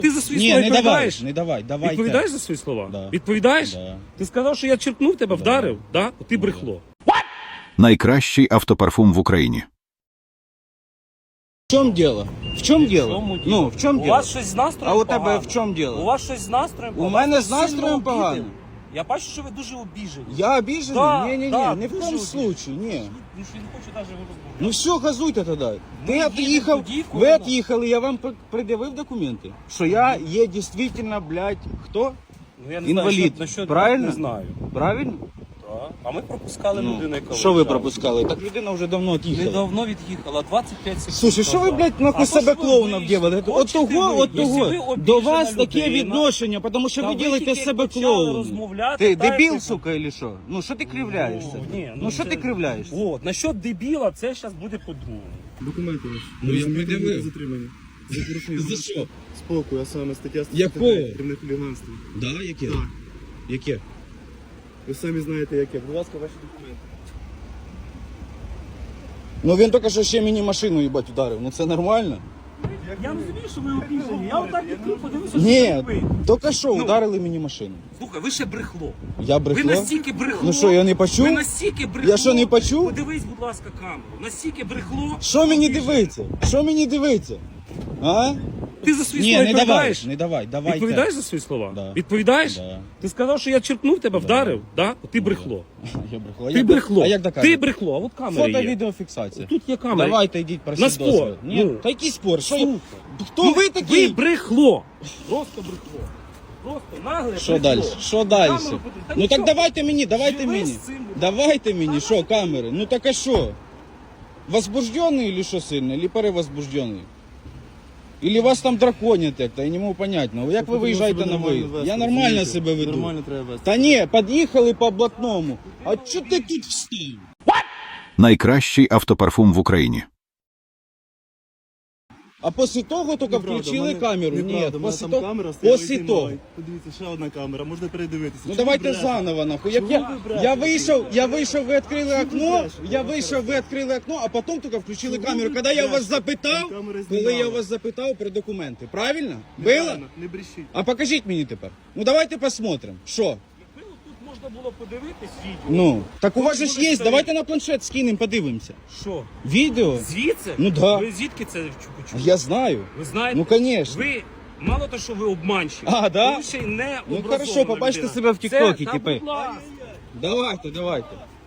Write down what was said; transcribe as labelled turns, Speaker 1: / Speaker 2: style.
Speaker 1: Ти за свої
Speaker 2: Ні,
Speaker 1: слова
Speaker 2: не давай,
Speaker 1: відповідаєш?
Speaker 2: не давай, давайте.
Speaker 1: Відповідаєш за свої слова?
Speaker 2: Да.
Speaker 1: Відповідаєш?
Speaker 2: Да.
Speaker 1: Ти сказав, що я черкнув тебе, вдарив? Да? Ти брехло.
Speaker 3: Найкращий автопарфум в Україні.
Speaker 2: В чем дело? В чем дело?
Speaker 1: чому діло?
Speaker 2: Ну, в чем
Speaker 1: У
Speaker 2: дело?
Speaker 1: вас щось з настроєм
Speaker 2: А у тебе
Speaker 1: погано?
Speaker 2: в чому діло?
Speaker 1: У вас щось з настроєм
Speaker 2: У
Speaker 1: погано?
Speaker 2: мене
Speaker 1: Вас
Speaker 2: з
Speaker 1: сильно
Speaker 2: настроєм
Speaker 1: обідали?
Speaker 2: погано.
Speaker 1: Я бачу, що ви дуже обіжені.
Speaker 2: Я обиженный?
Speaker 1: Да,
Speaker 2: Не-не-не,
Speaker 1: да,
Speaker 2: ни в
Speaker 1: дуже
Speaker 2: коем
Speaker 1: обіжений.
Speaker 2: случае, не.
Speaker 1: Він ж не хоче навіть розмовляти.
Speaker 2: Ну все, газуйте тоді.
Speaker 1: Ми
Speaker 2: Ти від'їхав,
Speaker 1: їдемо тоді, коли
Speaker 2: ви
Speaker 1: нам-
Speaker 2: від'їхали, я вам пред'явив документи, що я є дійсно, блядь, хто?
Speaker 1: Ну, я не
Speaker 2: Інвалід,
Speaker 1: знаю, насчет
Speaker 2: правильно?
Speaker 1: Не знаю.
Speaker 2: Правильно?
Speaker 1: Так. А ми пропускали людину, яка
Speaker 2: Що ви
Speaker 1: виїжджала.
Speaker 2: пропускали? Так людина вже давно від'їхала.
Speaker 1: Недавно від'їхала, 25 секунд.
Speaker 2: Слушай, що ви,
Speaker 1: назад.
Speaker 2: блядь, нахуй
Speaker 1: А
Speaker 2: себе
Speaker 1: то, що ви
Speaker 2: клоуном
Speaker 1: вийшли?
Speaker 2: делали?
Speaker 1: Хочете
Speaker 2: От того,
Speaker 1: ви?
Speaker 2: от
Speaker 1: Якщо ви
Speaker 2: того.
Speaker 1: обіжена
Speaker 2: До вас таке
Speaker 1: людина,
Speaker 2: відношення, тому що
Speaker 1: та
Speaker 2: ви
Speaker 1: ви
Speaker 2: робите
Speaker 1: тільки
Speaker 2: себе
Speaker 1: почали
Speaker 2: клоуном.
Speaker 1: розмовляти,
Speaker 2: Ти
Speaker 1: дайте
Speaker 2: дебіл,
Speaker 1: ви-
Speaker 2: сука, или що? Ну що ти кривляєшся?
Speaker 1: Ні,
Speaker 2: Ну що
Speaker 1: це-
Speaker 2: ти кривляєшся?
Speaker 1: От, насчет дебіла, це зараз буде по-другому.
Speaker 4: Документи ваші.
Speaker 2: Ну, я
Speaker 4: Ви
Speaker 2: пред'явив.
Speaker 4: затримані. За порушення
Speaker 2: За що?
Speaker 4: спокою, а саме стаття
Speaker 2: Якого?
Speaker 4: 135, кримінальне хуліганство.
Speaker 2: Да, яке?
Speaker 4: Так.
Speaker 2: Яке?
Speaker 4: Ви самі знаєте яке. Будь ласка, ваші документи.
Speaker 2: Ну він тільки що ще мені машину, їбать, ударив. Ну це нормально?
Speaker 1: Я розумію, що ви обіжені. Я отак відкрив, подивився, що
Speaker 2: Ні,
Speaker 1: ви.
Speaker 2: тільки що ударили мені машину.
Speaker 1: Слухай, ви ще брехло.
Speaker 2: Я
Speaker 1: Ви
Speaker 2: брехло?
Speaker 1: настільки брехло.
Speaker 2: Ну що, я не почув?
Speaker 1: Ви настільки брехло.
Speaker 2: Я що, не почув?
Speaker 1: Подивись, будь ласка, камеру. Настільки брехло.
Speaker 2: Що мені
Speaker 1: обіжені.
Speaker 2: дивиться? Що мені дивиться? А?
Speaker 1: Ти за свої
Speaker 2: Ні,
Speaker 1: слова
Speaker 2: не давай,
Speaker 1: відповідаєш?
Speaker 2: не давай, давайте.
Speaker 1: Відповідаєш за свої слова?
Speaker 2: Да.
Speaker 1: Відповідаєш?
Speaker 2: Да.
Speaker 1: Ти сказав, що я черкнув тебе, вдарив? Да? Ти брехло.
Speaker 2: Я брехло.
Speaker 1: Ти брехло.
Speaker 2: А як доказати?
Speaker 1: Ти брехло, а от камера
Speaker 2: Фото,
Speaker 1: є.
Speaker 2: відеофіксація.
Speaker 1: Тут є камера.
Speaker 2: Давайте йдіть просіть
Speaker 1: На спор.
Speaker 2: дозвіл. Ні,
Speaker 1: Ну.
Speaker 2: та який спор? Що?
Speaker 1: Слухай.
Speaker 2: Хто
Speaker 1: Ну,
Speaker 2: ви такий?
Speaker 1: Ви брехло. Просто брехло. Просто нагле
Speaker 2: Що
Speaker 1: брехло.
Speaker 2: далі? Що далі?
Speaker 1: Камеру подивись. Та
Speaker 2: Ну так
Speaker 1: нічого.
Speaker 2: давайте мені, давайте
Speaker 1: Живи
Speaker 2: мені.
Speaker 1: з цим, будь ласка.
Speaker 2: Давайте мені, що камери? Ну так а що? Возбуждений или що сильно? Или перевозбуждений? Или вас там драконять як-то, я не можу понять. Ну як ви виїжджаєте на виїзд? Я нормально себе веду.
Speaker 4: Нормально треба вести.
Speaker 2: Та ні, під'їхали по блатному. А чого ти тут встав?
Speaker 3: Найкращий автопарфум в Україні.
Speaker 2: А після того тільки
Speaker 4: Неправда,
Speaker 2: включили
Speaker 4: в мене-
Speaker 2: камеру? Ні,
Speaker 4: неправда, в мене
Speaker 2: після
Speaker 4: там
Speaker 2: того.
Speaker 4: камера стояла
Speaker 2: Після
Speaker 4: і
Speaker 2: того.
Speaker 4: знімала. Подивіться, ще одна камера, можна передивитися.
Speaker 2: Ну
Speaker 4: Чому
Speaker 2: давайте
Speaker 4: ви брешете?
Speaker 2: заново, нахуй. Як
Speaker 4: Чому
Speaker 2: я,
Speaker 4: ви
Speaker 2: я
Speaker 4: брешете?
Speaker 2: вийшов, ви відкрили
Speaker 4: Чому ви
Speaker 2: окно,
Speaker 4: брешете?
Speaker 2: я вийшов, ви відкрили окно, а потім тільки включили
Speaker 4: Чому
Speaker 2: камеру.
Speaker 4: ви
Speaker 2: Коли я вас
Speaker 4: брешете?
Speaker 2: запитав,
Speaker 4: Там камери
Speaker 2: коли я
Speaker 4: знімали.
Speaker 2: вас запитав про документи, правильно? Було?
Speaker 4: Неправильно, не брешіть.
Speaker 2: А покажіть мені тепер. Ну давайте посмотрим. Що?
Speaker 1: Якби тут можна було подивитись відео.
Speaker 2: Ну, так у вас же ж
Speaker 1: були
Speaker 2: є,
Speaker 1: старі.
Speaker 2: давайте на планшет скинемо, подивимося.
Speaker 1: Що?
Speaker 2: Відео?
Speaker 1: Звідси?
Speaker 2: Ну да.
Speaker 1: Ви звідки це почули?
Speaker 2: Я знаю.
Speaker 1: Ви знаєте?
Speaker 2: Ну, конечно.
Speaker 1: Ви, мало того, що ви обманщик.
Speaker 2: А, да?
Speaker 1: Ви ще й не
Speaker 2: Ну,
Speaker 1: образована
Speaker 2: хорошо, побачите
Speaker 1: людина.
Speaker 2: себе в тіктокі,
Speaker 1: Це- та,
Speaker 2: типи.
Speaker 1: будь ласка.
Speaker 2: Давайте, давайте.